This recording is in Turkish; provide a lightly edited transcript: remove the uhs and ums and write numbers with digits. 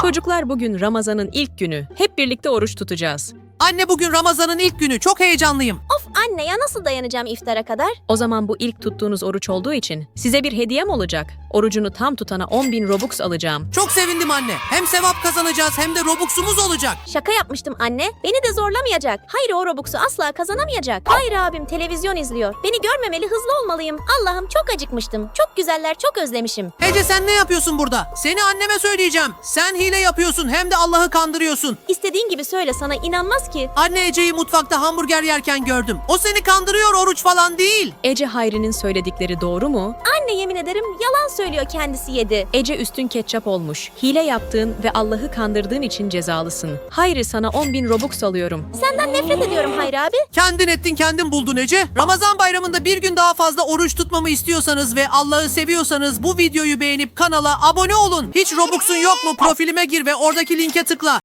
Çocuklar bugün Ramazan'ın ilk günü. Hep birlikte oruç tutacağız. Anne bugün Ramazan'ın ilk günü. Çok heyecanlıyım. Of anne ya nasıl dayanacağım iftara kadar? O zaman bu ilk tuttuğunuz oruç olduğu için size bir hediyem olacak. Orucunu tam tutana 10.000 Robux alacağım. Çok sevindim anne. Hem sevap kazanacağız hem de Robux'umuz olacak. Şaka yapmıştım anne. Beni de zorlamayacak. Hayır o Robux'u asla kazanamayacak. Hayır abim televizyon izliyor. Beni görmemeli hızlı olmalıyım. Allah'ım çok acıkmıştım. Çok güzeller çok özlemişim. Ece sen ne yapıyorsun burada? Seni anneme söyleyeceğim. Sen hile yapıyorsun hem de Allah'ı kandırıyorsun. İstediğin gibi söyle sana inanmaz ki. Anne Ece'yi mutfakta hamburger yerken gördüm. O seni kandırıyor, oruç falan değil. Ece Hayri'nin söyledikleri doğru mu? Anne yemin ederim yalan söylüyor kendisi yedi. Ece üstün ketçap olmuş. Hile yaptığın ve Allah'ı kandırdığın için cezalısın. Hayri sana 10.000 Robux alıyorum. Senden nefret ediyorum Hayri abi. Kendin ettin kendin buldun Ece. Ramazan bayramında bir gün daha fazla oruç tutmamı istiyorsanız ve Allah'ı seviyorsanız bu videoyu beğenip kanala abone olun. Hiç Robux'un yok mu? Profilime gir ve oradaki linke tıkla.